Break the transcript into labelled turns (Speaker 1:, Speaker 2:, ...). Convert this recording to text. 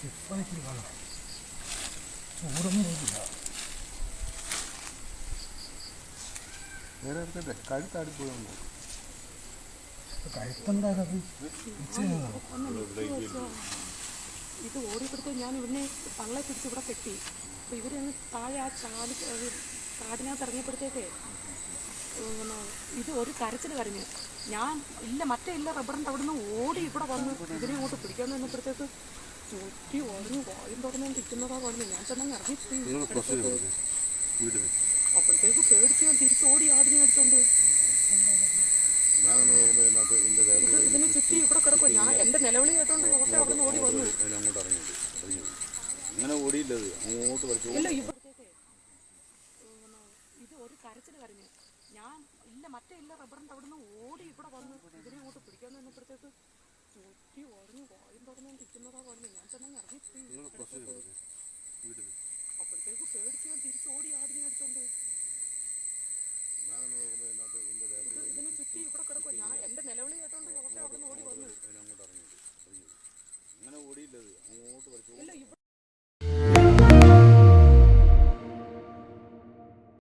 Speaker 1: ഇപ്പഴേക്കും കാണാം ചൂടൊന്നും ഇല്ല.
Speaker 2: വേറെ എടുക്കട്ടെ കഴുത്താടിപ്പോയി നോക്കും.
Speaker 1: കഴുത്തെന്താണത്?
Speaker 3: ഇത് ഓടിപ്പിടുത്ത് ഞാൻ ഇവിടുന്ന് പള്ളെ പിടിച്ച് ഇവിടെ കെട്ടി. അപ്പോൾ ഇവരങ്ങ് താഴെ ആ കാടിനകത്ത് ഇറങ്ങിയപ്പോഴത്തേക്കേ ഇത് ഒരു കരച്ചിൽ കരഞ്ഞ് ഞാൻ ഇല്ല മറ്റേ ഇല്ല റബ്ബറിൻ്റെ അവിടെ നിന്ന് ഓടി ഇവിടെ വന്ന് ഇതിനെ ഇങ്ങോട്ട് പിടിക്കാൻ നിന്നപ്പോഴത്തേക്ക് ചുറ്റി ഓടുന്നു വായും തുറന്നു ഇരിക്കുന്നതാ പറഞ്ഞു. ഞാൻ തന്നെ ഇറങ്ങി അപ്പോഴത്തേക്ക് പേടിച്ച് ഞാൻ തിരിച്ചോടി ആടിനെ അടിച്ചോണ്ട് ഇതിനെ ചുറ്റി ഇവിടെ കിടക്കും. ഞാൻ എൻ്റെ നിലവിളി കേട്ടോണ്ട് പക്ഷേ അവിടെ നിന്ന് ഓടി വന്നു. ഇല്ല ഇവിടത്തേക്ക് ഇത് ഒരു കരച്ചിൽ കരഞ്ഞ് ഞാൻ ഇല്ല മറ്റേ ഇല്ല റബ്ബറിൻ്റെ അവിടെ നിന്ന് ഓടി ഇവിടെ വന്ന് ഇതിനെ ഇങ്ങോട്ട് പിടിക്കാൻ നിന്നപ്പോഴത്തേക്ക് ചുറ്റി ഓടുന്നു വായും തുറന്നു ഇരിക്കുന്നതാ പറഞ്ഞു. ഞാൻ തന്നെ ഇറങ്ങി അപ്പോഴത്തേക്ക് പേടിച്ച് ഞാൻ തിരിച്ചോടി ആടിനെ അടിച്ചോണ്ട് ഇതിനെ ചുറ്റി ഇവിടെ കിടക്കും. ഞാൻ എൻ്റെ നിലവിളി കേട്ടോണ്ട് പക്ഷേ അവിടെ നിന്ന് ഓടി വന്നു. ഇല്ല